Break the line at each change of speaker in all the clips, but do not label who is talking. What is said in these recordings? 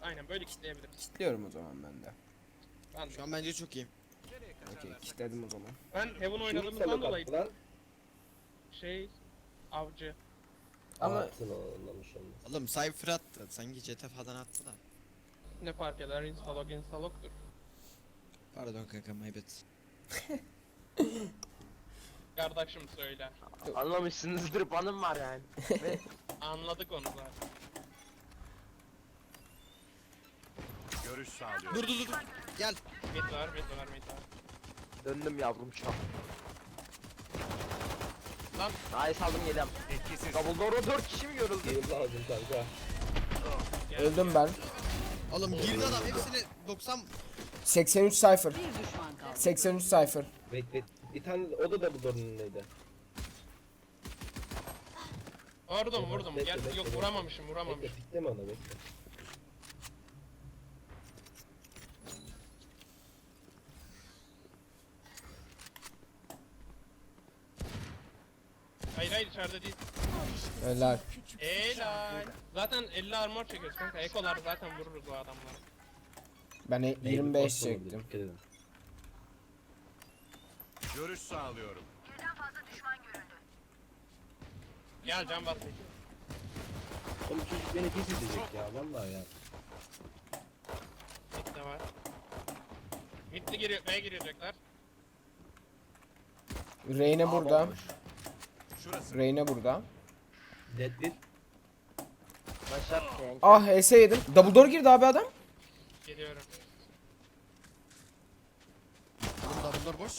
Aynen böyle kitleyebiliriz.
Kitliyorum o zaman ben de.
Ben,
Şu an bence çok iyi.
Okey, kitledim o zaman.
ben Heaven oynadığımızdan dolayı şey avcı.
Ama
Attın anlamış olmaz.
Oğlum Cypher attı. Sanki CT falan attı da.
Ne fark eder? Instalok'tur.
Pardon kanka my bad.
Kardeşim söyle.
Anlamışsınızdır, banım var yani.
Anladık onu zaten.
Görüş sağlıyor.
Dur. Gel.
Mid var.
Döndüm yavrum şu an.
Lan
Nice aldım geliyorum.
Etkisiz.
Dumbledore'a 4 kişi mi yoruldu? Heal lazım kanka.
gel.
öldüm ben.
Oğlum girdi adam hepsini 90.
83 Cypher.
Bir düşman kaldı.
83 Cypher.
Bekle. Bir tane o da Dumbledore'un önündeydi.
Vurdum.
Bekle,
Gel
bekle,
yok
bekle.
vuramamışım.
Bekle, pikleme onu bekle.
Hayır içeride değil.
Helal.
Helal. Zaten 50 armor çekiyoruz kanka. Ekolar zaten vururuz o adamları.
Ben 25
Neydi,
çektim.
dikkat edin.
Görüş sağlıyorum.
Gel can bas.
Oğlum çocuk beni pis edecek ya vallahi ya.
Mid de var. Mid'li giriyor. B'ye girecekler.
Reyne burada.
Şurası.
Reyne burada.
Dead bir. Başar.
Ah HS yedim. Double door girdi abi adam.
Geliyorum.
Oğlum Dumbledore boş.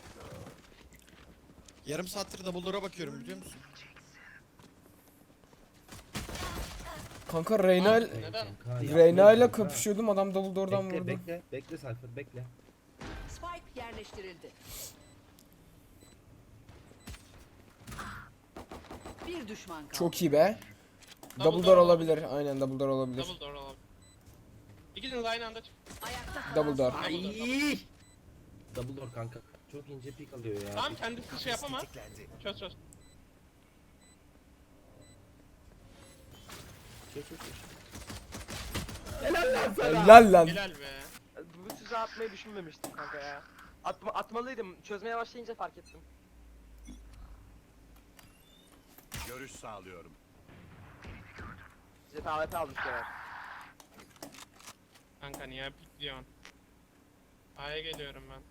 Yarım saattir Dumbledore'a bakıyorum biliyor musun?
Kanka Reyna
Neden?
Reyna ile kapışıyordum, adam double door'dan
Bekle
vurdu.
bekle Cypher bekle.
Spike yerleştirildi. Bir düşman kaldı.
Çok iyi be.
Double
Double
door
door olabilir. Aynen double door olabilir.
Double door alalım. İkiniz aynı anda çık.
Ayakta kalan
Double door.
son-
Ay. Dumbledore kanka. Çok ince pik alıyor ya.
Tamam kendisi şey yapama. Çöz.
Çöz. Helal lan sana.
Helal lan.
Helal be.
Bu size atmayı düşünmemiştim kanka ya. Atmalıydım. Çözmeye başlayınca fark ettim.
Görüş sağlıyorum.
Size AWP almışlar.
Kanka niye pikliyorsun? A'ya geliyorum ben.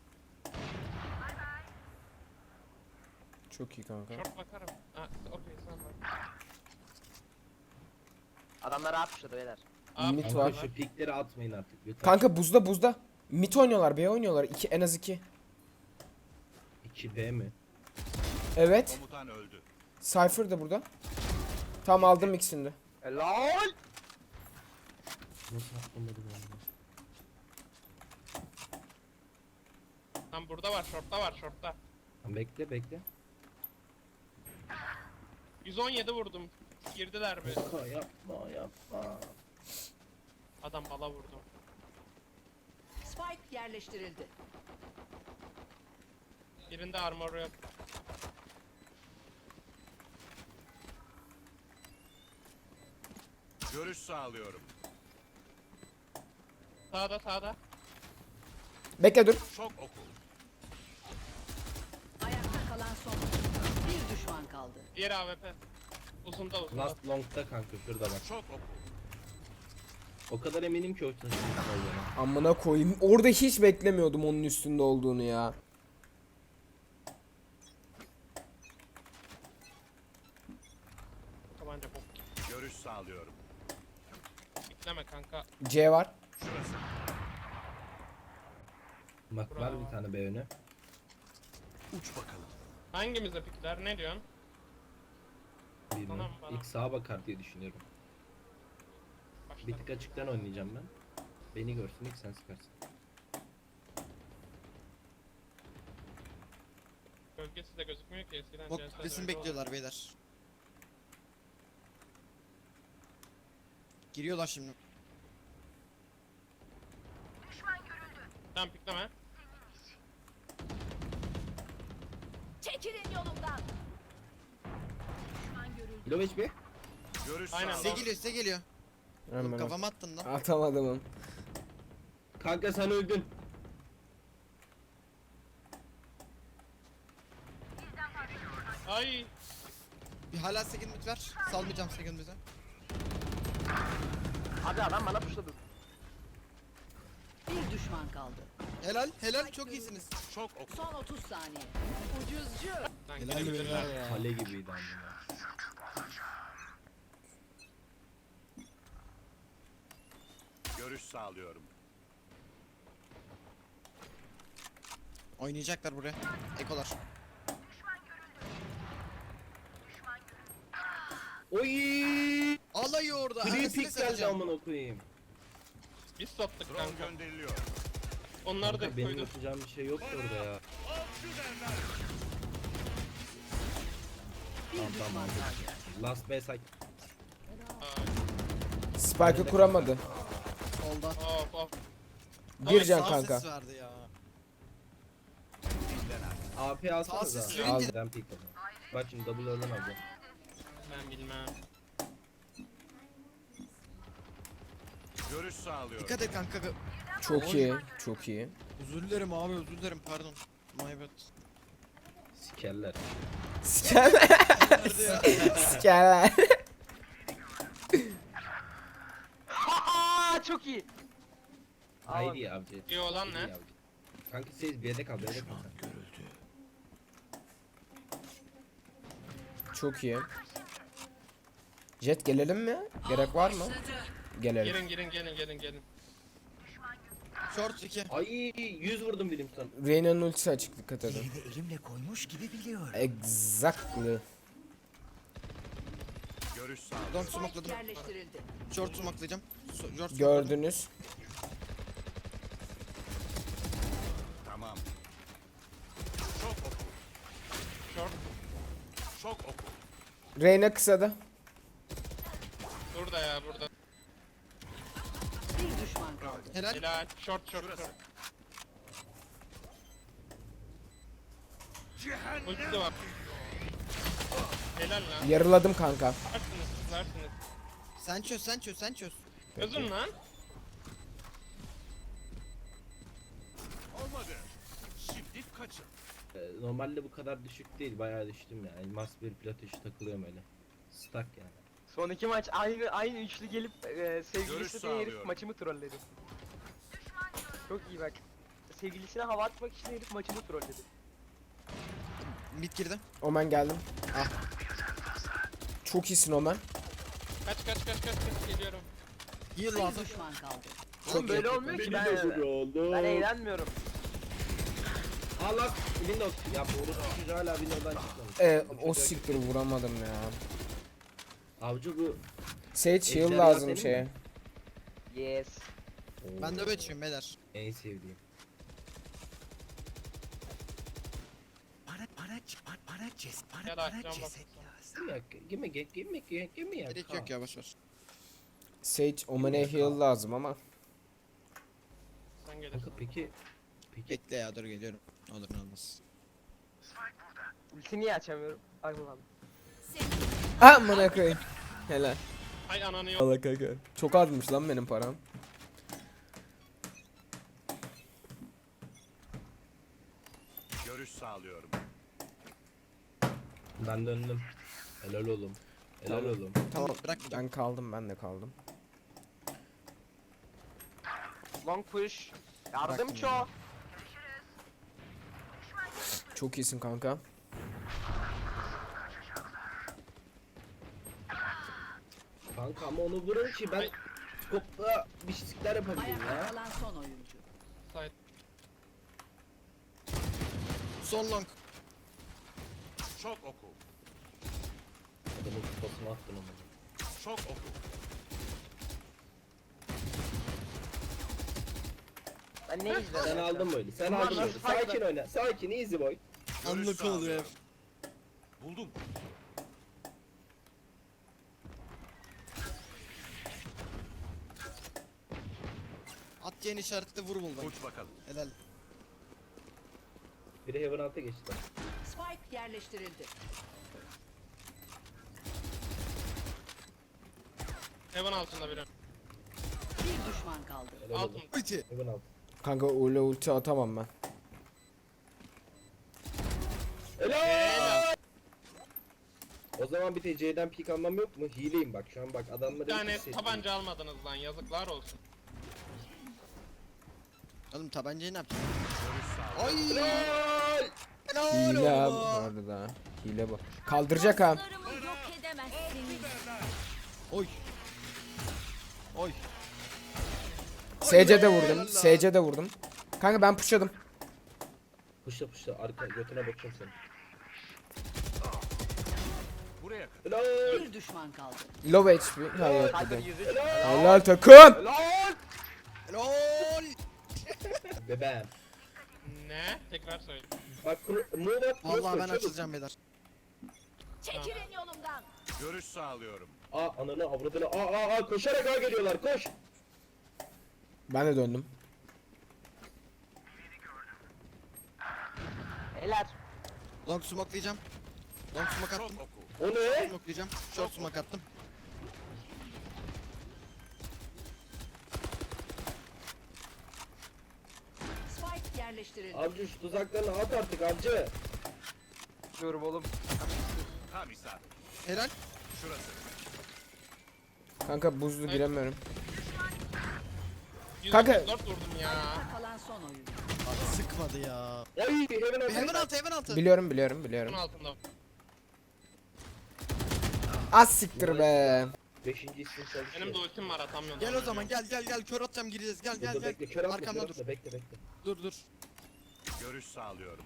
Çok iyi kanka.
Short bakarım. Ha, okey sen bak.
Adamlar yapmışlar beyler.
A
Mid
pick
var.
Şu pikleri atmayın artık lütfen.
Kanka buzda. Mid oynuyorlar, B oynuyorlar. En az 2.
2B mi?
Evet.
Komutan öldü.
Cypher da burada. Tam aldım ikisini de.
Helal.
Nasıl atlamadım ya?
Tam burada var, short'ta.
Tamam, bekle.
117 vurdum. Girdiler mi?
Kanka yapma.
Adam bala vurdu.
Spike yerleştirildi.
Birinde armor yok.
Görüş sağlıyorum.
Sağda.
Bekle dur.
Çok oku.
Ayakta kalan son. Bir düşman kaldı.
Diğer AWP. Uzunda.
Last long'da kanka şurada bak.
Çok oku.
O kadar eminim ki o taşın olduğuna.
Amına koyayım. Orada hiç beklemiyordum onun üstünde olduğunu ya.
Tabanca bok.
Görüş sağlıyorum.
Bekleme kanka.
C var.
Şurası.
Bak var bir tane B önü.
Uç bakalım.
Hangimize pikler? Ne diyorsun?
Bilmem.
Tamam, bana.
İlk sağa bakar diye düşünüyorum.
Başla.
Bir tık açıktan oynayacağım ben. Beni görsün ilk sen sıkarsın.
Gölgesi de gözükmüyor ki eskiden.
Bok
CS'de
resim
öyle
bekliyorlar beyler. Giriyorlar şimdi.
Tamam pikleme.
Çekilin yolumdan. Düşman görüldü.
Low HP.
Görüş
Aynen.
sağlıyorum.
Size geliyor.
Hemen
Kafama attın lan.
atamadım onu.
Kanka sen öldün.
Ay.
Bir hala second mid ver. Salmayacağım second mid'e.
Abi adam bana pushladı.
Bir düşman kaldı.
Helal helal çok iyisiniz.
Çok oku.
Son 30 saniye. Ucuzcu.
Lan
Helal
girebilirler.
helal ya.
Kale gibiydi amına.
Görüş sağlıyorum.
Oynayacaklar buraya. Ekolar.
Oy!
Alayı orada.
Free
Arasını
pick geldi
saracağım.
amına koyayım.
Biz sattık
Drone
kanka.
gönderiliyor.
Onlar da
Kanka benim
koydu.
yapacağım bir şey yoktu orada ya.
Bir
Tamam
düşman
tamam.
kaldı.
Last B side.
Spike'ı kuramadı.
Solda.
Of of.
Bir can
Sağ
kanka.
ses verdi ya.
AP alsanıza.
sesi
Aldım.
Ben pick aldım. Bak şimdi double oradan alacağım.
Ben bilmem.
Görüş sağlıyorum.
Dikkat et kanka.
Çok iyi. Çok iyi.
Özür dilerim abi özür dilerim pardon. My bad.
Sikerler.
Sikerler.
Nerede ya?
Sikerler.
Haha çok iyi.
Haydi ya avcı.
İyi olan ne?
Haydi avcı. Kanka siz B'de kal B'de kal.
Çok iyi. Jet gelelim mi? Gerek var mı? Gelelim.
Gelin.
Short 2.
Ay 100 vurdum Williamson.
Reyna'nın ultisi açık, dikkat edin.
Elini elimle koymuş gibi biliyorum.
Exactly.
Görüş sağlıyorum.
Long
Spike
smokladım.
yerleştirildi.
Short smokelayacağım. Short smokladım.
Gördünüz.
Tamam. Çok oku.
Short.
Çok oku.
Reyna kısada.
Burada ya burada.
Bir düşman kaldı.
Helal.
Helal. Short. Ulti de var. Helal lan.
Yarıladım kanka.
Varsınız.
Sen çöz.
Özün lan.
Olmadı. Şimdi kaçın.
Normalde bu kadar düşük değil bayağı düştüm ya. Elmas bir plat üçü takılıyorum öyle. Stuck yani.
Son iki maç aynı üçlü gelip
Görüş
sevgilisi diye herif
sağlıyorum.
maçımı trolledi. Çok iyi bak. Sevgilisine hava atmak için herif maçımı trolledi.
Mid girdi.
Omen geldim. Ah. Çok iyisin Omen.
Kaç geliyorum.
Heal
Bir
lazım.
düşman kaldı.
Oğlum böyle olmuyor ki ben eğlenmiyorum.
Allah Windows ya bu çocuğu hala Windows'dan çıkmamış. Bu
O
çocuğa-
siktir vuramadım ya.
Avcı bu.
Sage heal
Ejderha
lazım
senin
şeye.
mi?
Yes.
Ben de geçiyorum beyler.
En sevdiğim.
Gel
Para
açacağım bak.
ceset lazım.
Give me ya.
Gerek yok ya boşver.
Sage Omen'e heal lazım ama.
Sen gelirsin.
Kanka peki
Bekle ya dur geliyorum. Ne olur ne olmaz.
Ulti niye açamıyorum? Ay ulan.
Amına koyayım. Helal.
Ay ananı yok.
Allah kanka. Çok azmış lan benim param.
Görüş sağlıyorum.
ben döndüm. Helal oğlum. Helal
Tamam.
oğlum.
Tamam bırakmayacağım.
Ben kaldım, ben de kaldım.
Long push. Yardımcı
Bırakın
o.
Çok iyisin kanka.
Kanka ama onu vurun ki ben skopla bir şeyler yapabileyim
Ayakta
ya.
kalan son oyuncu.
Side.
Son long.
Çok oku.
Adamın kafasına attın onu.
Çok oku.
Ben ne izledim?
Sen aldın böyle. Sen
Bunlar
aldın
nasıl
böyle.
fightlar?
Sakin oyna. Sakin easy boy.
Görüş
Anlık oluyor.
sağlıyorum. Buldum.
At yeni işaretle vur buldum.
Uç bakalım.
Helal.
Biri Heaven Alt'a geçti.
Spike yerleştirildi.
Heaven altında biri.
Bir düşman kaldı.
Helal
Alt
olsun.
mı?
Ulti.
Hemen alt.
Kanka öyle ulti atamam ben.
Helal. O zaman bir TC'den pik almam yok mu? Hileyim bak şu an bak adamları
Bir tane
hissettim.
tabanca almadınız lan, yazıklar olsun.
Oğlum tabancayı ne yapacağız?
Görüş sağlıyorum.
Ay.
Helal.
Hile abi bu
oğlum.
arada. Hile bu. Kaldıracak ha.
Dostlarımı yok edemezsiniz.
Oy. Oy.
SC'de vurdum. SC'de vurdum. Kanka ben pushladım.
Puşla puşla arka götüne bakacağım seni.
Buraya kadar.
Helal.
Bir düşman kaldı.
Low HP. Hayır
Cypher
dedim.
103.
Helal takım.
Helal.
Lol.
Bebeğim.
Ne? Tekrar söyle.
Bak move at.
Vallahi ben açılacağım beyler.
Çekilin yolumdan.
Görüş sağlıyorum.
Aa ananı avradını. Aa koşarak ağa geliyorlar koş.
Ben de döndüm.
Helal.
Long smoke'layacağım. Long smoke
Çok
attım.
oku.
O ne?
Smoke'layacağım. Short smoke attım.
Spike yerleştirildi.
Avcı şu tuzaklarını at artık avcı.
Diyorum oğlum.
Tam isabet.
Helal.
Şurası.
Kanka buzlu giremiyorum.
134 vurdum ya.
Kalan son oyuncu.
Abi sıkmadı ya.
Ay hemen at.
Hemen altı hemen altı.
Biliyorum.
Bunun altında.
Az siktir be.
5. isim çalışıyor.
Benim de ultim var, atamıyorum.
Gel o zaman gel kör atacağım gireceğiz gel
Dur, bekle kör atma kör
Arkamda dur.
atma bekle.
Dur.
Görüş sağlıyorum.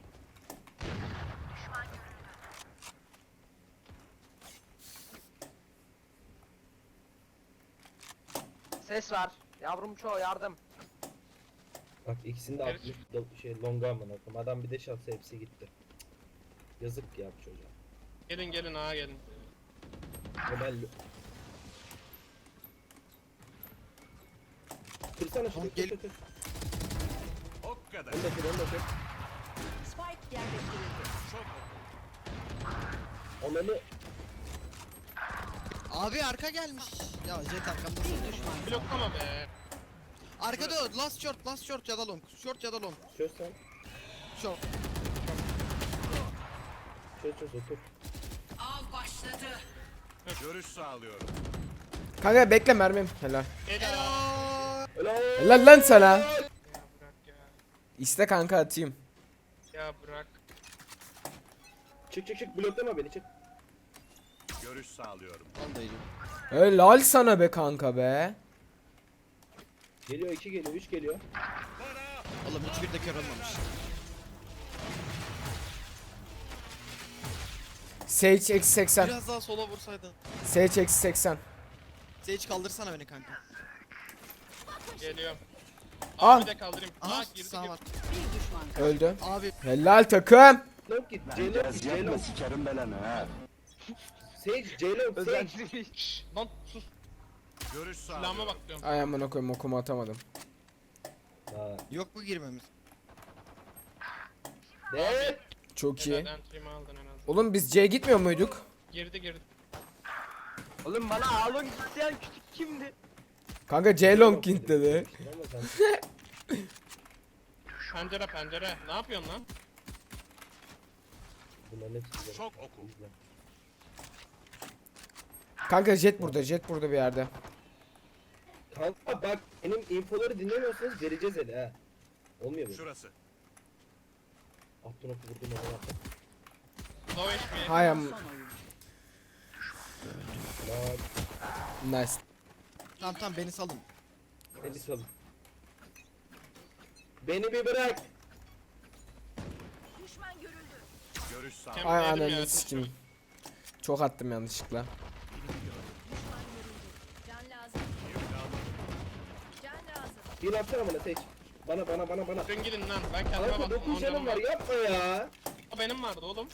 Ses var. Yavrum çoğu yardım.
Bak ikisini de
Evet.
atmış şey longa amına koyayım. Adam bir de şatsa hepsi gitti. Yazık ya bu çocuğa.
Gelin ağa gelin.
Ömer Kırsana şunu.
Gel.
Kır.
O kadar.
Onu da kır.
Spike yerleştirildi.
Çok oku.
Onları
Abi arka gelmiş. Ya jet arkamda.
Bir düşman kaldı.
Bloklama be.
Arkada o, last short ya da long. Short ya da long.
çöz sen.
Short.
Çöz otur.
Av başladı.
Görüş sağlıyorum.
Kanka bekle mermim. Helal.
Helal.
Helal.
Helal lan sana.
Ya bırak ya.
İste kanka atayım.
Ya bırak.
Çık bloklama beni çık.
Görüş sağlıyorum.
Ondayım.
Helal sana be kanka be.
Geliyor 2 geliyor 3 geliyor.
Oğlum hiçbir de kör olmamış.
Sage eksi 80.
Biraz daha sola vursaydın.
Sage eksi 80.
Sage kaldırsana beni kanka.
Geliyorum.
Al.
Abi de kaldırayım.
Aha
Aa girdi
sağ
girdi.
var.
Bir düşman kaldı.
Öldü.
Abi
Helal takım.
Long git. Ceylon.
sikerim belanı ha.
Sage Ceylon. Sage.
Özellikle.
Şşş lan sus.
Görüş
Silahıma
sağlıyorum.
bak diyorum.
Ay amına koyayım okumu atamadım.
Ha.
yok mu girmemiz?
Ne?
Çok iyi.
Helal, entry'mi aldın en azından.
Oğlum biz C'ye gitmiyor muyduk?
Girdi.
Oğlum bana alın isteyen küçük kimdi?
Kanka C long king dedi.
Ama sen
Pencere. Ne yapıyorsun lan?
bunların hepsi
Çok oku.
İzle.
Kanka jet burada bir yerde.
Kanka bak benim infoları dinlemiyorsanız vereceğiz hele ha. Olmuyor mu?
Şurası.
Attın oku vurdum ona attım.
Low HP.
Hay
Son
am
oyuncu.
Lan
nice.
Tamam beni salın.
seni salın. Beni bir bırak.
Düşman görüldü.
Görüş sağlıyorum.
Kem-
Ay
Yedim
ananı
ya,
sikim. Çok attım yanlışlıkla.
Can lazım. Can lazım.
Bir atsana bana Sage. Bana.
Dön gidin lan. Ben kendime
Kanka
baktım.
9 canım var yapma ya.
O benim vardı oğlum.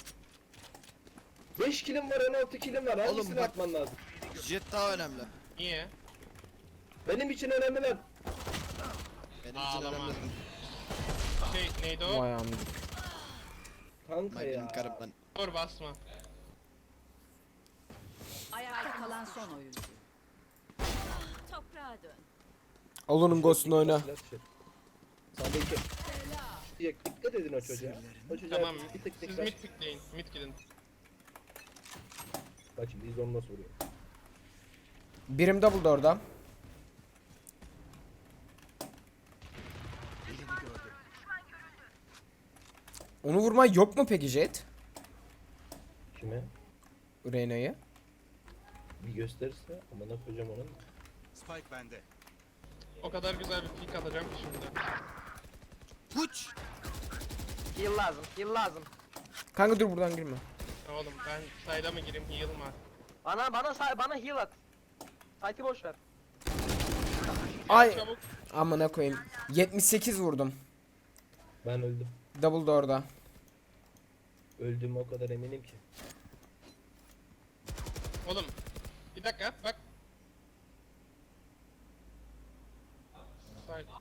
5 kilim var 16 kilim var. Hangisini
bak-
atman lazım?
Jet daha önemli.
Niye?
Benim için önemli lan.
Benim için
Ağlama.
önemli.
Neydi o?
Vay amına.
Kanka
Benim
ya.
karım ben.
Dur basma.
Ayakta kalan son oyuncu.
Toprağa dön.
Al onun ghost'unu oyna.
Sağda iki. Dikkat edin o çocuğa. O çocuğa
Tamam.
bir tık
Siz
dikkat.
mid pickleyin. Mid gidin.
Bak şimdi biz onu nasıl vuruyor.
Birim double orada. Onu vurman yok mu peki Jet?
Kime?
Reyna'yı.
Bir gösterirse amına koyacağım onun.
Spike bende.
O kadar güzel bir pick atacağım ki şimdi.
Puç.
Heal lazım. Heal lazım.
Kanka dur buradan girme.
Oğlum ben sayda mı gireyim heal mı?
Bana heal at. Sight'i boş ver.
Ay
Çabuk.
amına koyayım. 78 vurdum.
Ben öldüm.
Double da orada.
Öldüğüme o kadar eminim ki.
Oğlum. Bir dakika bak. Side.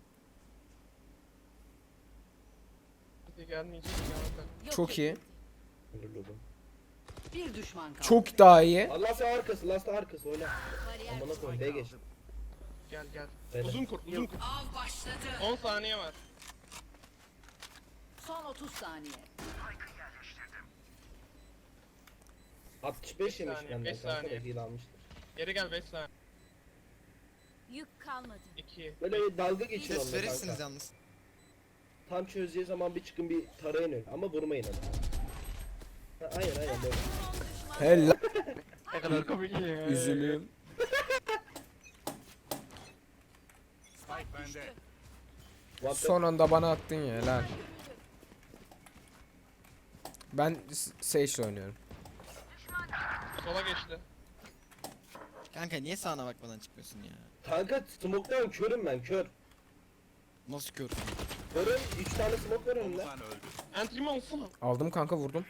Hadi gelmeyecek ya.
Yok
Çok
edildi.
iyi.
Öldürdüm.
Bir düşman kaldı.
Çok daha iyi.
Last arkası, last arkası oyna.
Bariyer
Amına
kuruldu.
koyayım, B geç.
Gel gel.
Beyler.
Uzun kur, uzun kur.
Av başladı.
10 saniye var.
Son 30 saniye.
65 yemiş
saniye,
benden
beş
kanka da
saniye.
heal almıştır.
Geri gel 5 saniye.
Yük kalmadı.
2.
Böyle dalga geçin
Ses
onunla
verirsiniz
kanka.
yalnız.
Tam çözeceği zaman bir çıkın bir tarayın öyle ama vurmayın adamı. Ha, aynen böyle.
Helal.
Ne kadar komik ya.
Üzülüyorum.
Spike bende.
What the-
Son anda bana attın ya helal. Ben Sage'le oynuyorum.
Sola geçti.
Kanka niye sağına bakmadan çıkmıyorsun ya?
Kanka smoke'tan körüm ben kör.
Nasıl kör?
Körüm 3 tane smoke var önümde.
Komutan öldü.
Entry mi olsun?
Aldım kanka vurdum.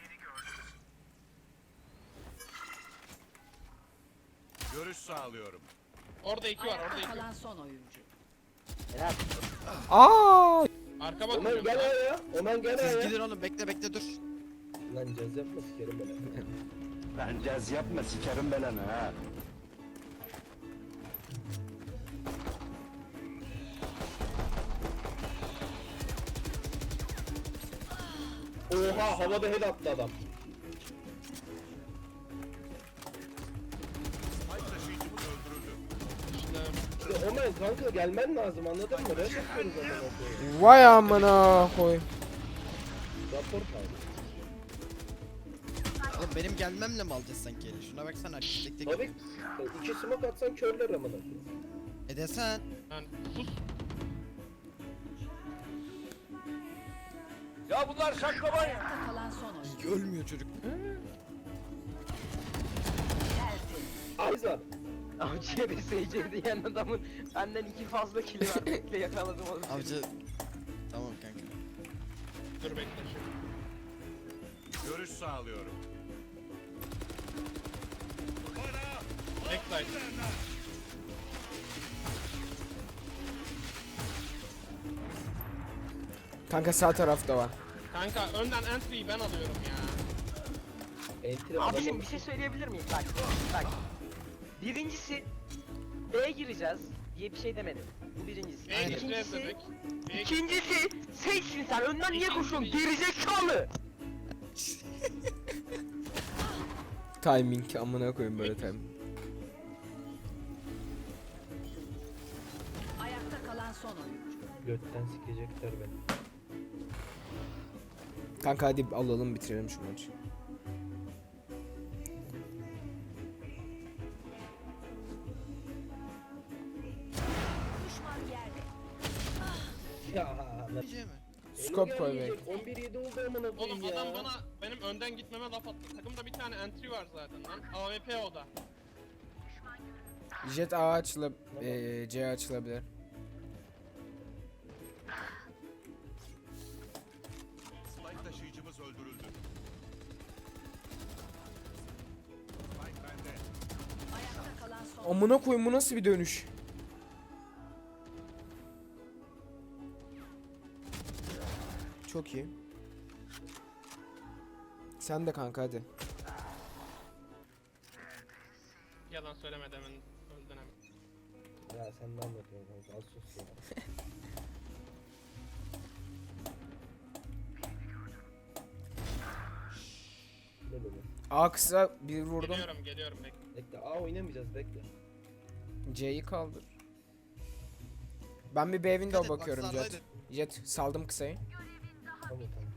Görüş sağlıyorum.
Orada 2 var, orada
Ayakta
2.
kalan son oyuncu.
Helal.
Aa!
Arka
Omen
bakıyorum.
gel ayağa. Omen gel
Siz
ayağa.
gidin oğlum bekle dur.
Lan caz yapma sikerim beni.
Lan caz yapma sikerim belanı ha.
Oha havada head attı adam.
Spike taşıyıcımız öldürüldü.
İşte
İşte Omen kanka gelmen lazım anladın mı? Rush yapıyoruz amına koyayım.
Vay amına koy.
Rapor kaldı.
Oğlum benim gelmemle mi alacağız sanki eli? Şuna baksana tek tek.
Tabii 2 smoke atsan körler amına koyayım.
Desen.
yani sus.
Ayakta kalan son oyuncu.
Ölmüyor çocuk.
Tertemiz.
Ayzar.
Avcıya bir seyirci diyen adamın benden 2 fazla kili var. Bekle yakaladım onu.
Avcı. Tamam kanka.
Dur bekle şimdi.
Görüş sağlıyorum.
Backside.
Kanka sağ tarafta var.
Kanka önden entry'yi ben alıyorum ya.
Entry
Abicim
adamın
bir şey söyleyebilir miyim? Bak. Birincisi B'ye gireceğiz diye bir şey demedim. Bu birincisi.
B'ye gireceğiz
İkincisi,
dedik. B'ye
ikincisi sensin sen. Önden niye koşuyorsun? Gerizekalı.
Timing amına koyayım böyle timing.
Ayakta kalan son oyuncu.
götten sikecekler beni.
Kanka hadi alalım bitirelim şu maçı.
Düşman yerde.
Ya lan.
Gideceğim mi?
Scope koy be.
11-7 oldu amına koyayım
Oğlum
ya.
adam bana benim önden gitmeme laf attı. Takımda bir tane entry var zaten lan. AWP o da.
Jet A açılıp C açılabilir.
Spike taşıyıcımız öldürüldü. Spike bende.
Ayakta kalan son
Amına koyayım bu nasıl bir dönüş? Çok iyi. Sen de kanka hadi.
Yalan söyleme demin öldün hemen.
Ya sen Sen ne anlatıyorsun kanka? Az sus ya. Ne böyle?
A kısa bir vurdum.
Geliyorum bekle.
Bekle A oynamayacağız bekle.
C'yi kaldır. Ben bir B window
Dikkat et,
bakıyorum
bak,
Jet.
sağdaydı.
Jet saldım kısayı.
Tamam tamam.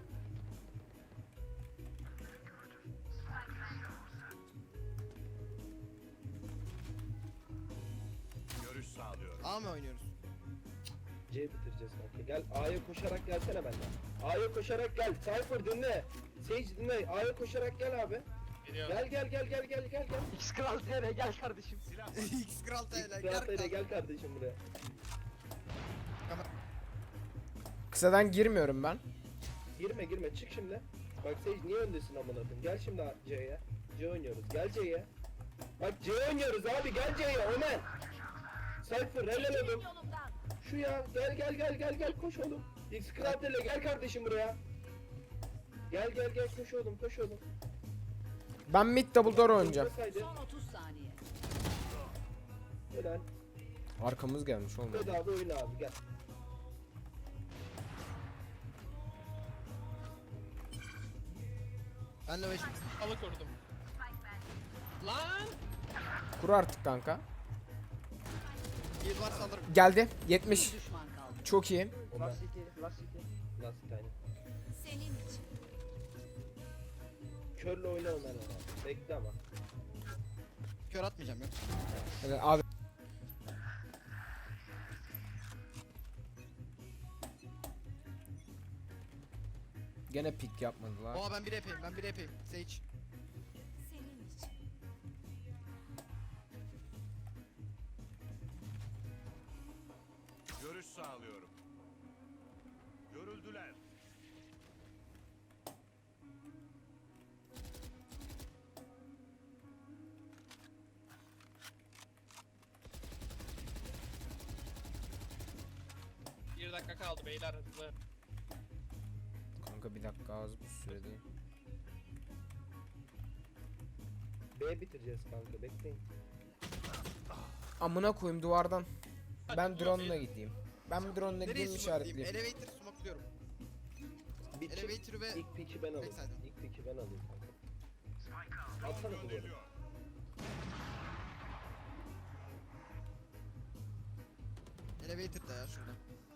Görüş sağlıyorum.
A mı oynuyoruz?
C bitireceğiz kanka. Gel A'ya koşarak gelsene benden. A'ya koşarak gel. Cypher dinle. Sage dinle. A'ya koşarak gel abi.
Geliyorum.
Gel.
X Kral TR gel kardeşim.
X Kral TL.
Galatasaray'a gel kardeşim buraya.
Kısadan girmiyorum ben.
Girme çık şimdi. Bak Sage niye öndesin amına koyayım? Gel şimdi C'ye. C oynuyoruz. Gel C'ye. Bak C oynuyoruz abi. Gel C'ye. Omen. Cypher helal oğlum.
Yolumdan.
Şu ya. Gel koş oğlum. X Kratele gel kardeşim buraya. Gel koş oğlum.
Ben mid double door oynayacağım.
Buradasaydı.
Son 30 saniye.
Helal.
Arkamız gelmiş olmadı.
Bedava oyna abi gel.
Ben de 5.
Halı kurdum. Lan!
Kur artık kanka.
Heal var alırım.
Geldi.
Bir
70.
düşman kaldı.
Çok iyi.
Omen.
Last city, last city.
Nasıl tane?
Senin için.
Körle oyna Omen ama. Bekle ama.
Kör atmayacağım yok.
Evet, abi. Gene pick yapmadılar.
Oha ben bir yapayım. Sage.
Senin için.
Görüş sağlıyorum. Görüldüler.
Bir dakika kaldı beyler hızlı.
Kanka bir dakika az bir süre değil.
B bitireceğiz kanka bekleyin.
Amına koyayım duvardan. Ben
Hadi,
drone'la
dur.
gideyim. Ben bir drone'la
Nereye
gideyim
smoke'layayım?
işaretleyeyim.
Elevator smoke'luyorum.
Bir çık.
Elevator'ı ve
İlk pick'i ben alayım.
Backside'ım.
İlk pick'i ben alayım kanka. Atsana duvarı.
Gönderiliyor.
elevator'da ya şurada.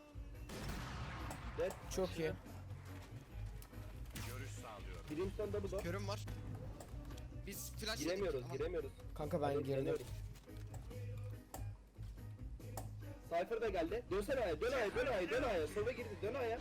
Dead.
Çok iyi.
Görüş sağlıyorum.
Brimstone double door.
Körüm var. Biz flash
Giremiyoruz.
Kanka ben girdim.
Dönüyoruz. Cypher da geldi. Dönsene A'ya, dön A'ya. Sola girdi, dön A'ya.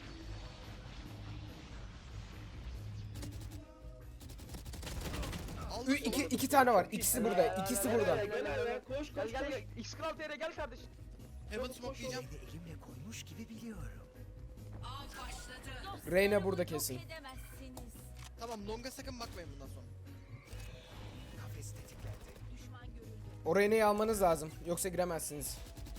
Aldım.
İki tane var. İkisi burada. İkisi burada.
Gel A'ya, koş
Gel
koş
gel
koş.
gel. X Kral TR gel kardeşim.
Heaven smoke'layacağım.
Seni elimle koymuş gibi biliyorum.
Av başladı.
Reyna burada kesin.
Yok edemezsiniz.
Tamam longa sakın bakmayın bundan sonra.
Kafes tetiklendi.
Düşman görüldü.
O Reyna'yı almanız lazım. Yoksa giremezsiniz.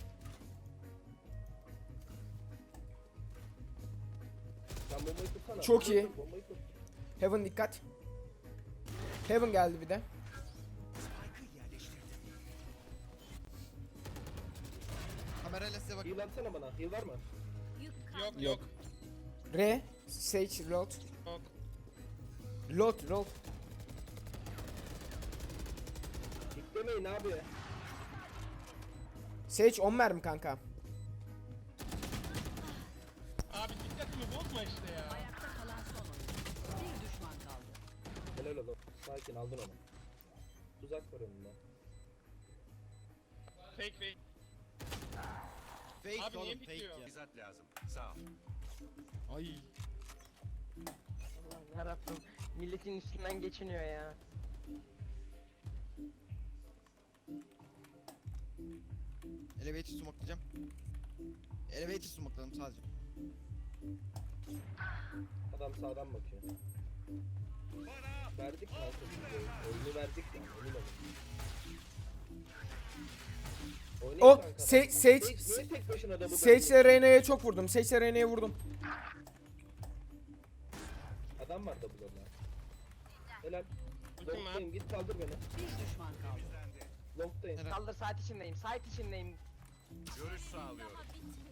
Sen bombayı tutsana.
Çok
Bombayı
iyi.
tut, bombayı tut.
Heaven dikkat. Heaven geldi bir de.
Spike'ı yerleştirdim.
Kamerayla size bakın.
Heal atsana bana. Heal var mı?
Yük
Yok
kalmadı.
yok.
Re. Sage load.
Yok.
Load.
Diklemeyin abi.
Sage 10 mermi kanka.
Abi dikkatimi bozma işte ya.
Ayakta kalan son oyuncu. Bir düşman kaldı.
Helal oğlum. Sakin aldın onu. Tuzak var önünde.
Fake.
Fake
Abi niye
oğlum fake
bitiyor?
ya.
Bizzat lazım. Sağ ol.
Ay.
Allah yarabbim. Milletin üstünden geçiniyor ya.
Elevator smoke'layacağım. Elevator smoke'ladım sadece.
Adam sağdan bakıyor. Verdik kanka. Oyunu verdik ya. Emin olun. Oynayın
O
kanka.
Sage
Niye tek başına da bu
Sage'le Reyna'ya çok vurdum. Sage'le Reyna'ya vurdum.
Adam var da burada. Helal.
Ultim var.
Long'dayım git kaldır beni.
Bir düşman kaldı.
Long'dayım.
Helal.
Kaldır saat içindeyim. Saat içindeyim.
Görüş sağlıyorum.
Daha bitmedi.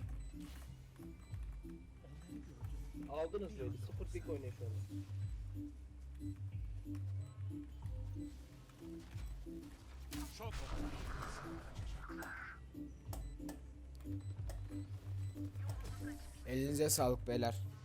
Aldınız böyle. 0 pick oynayın şu anda.
Çok
Elinize sağlık beyler.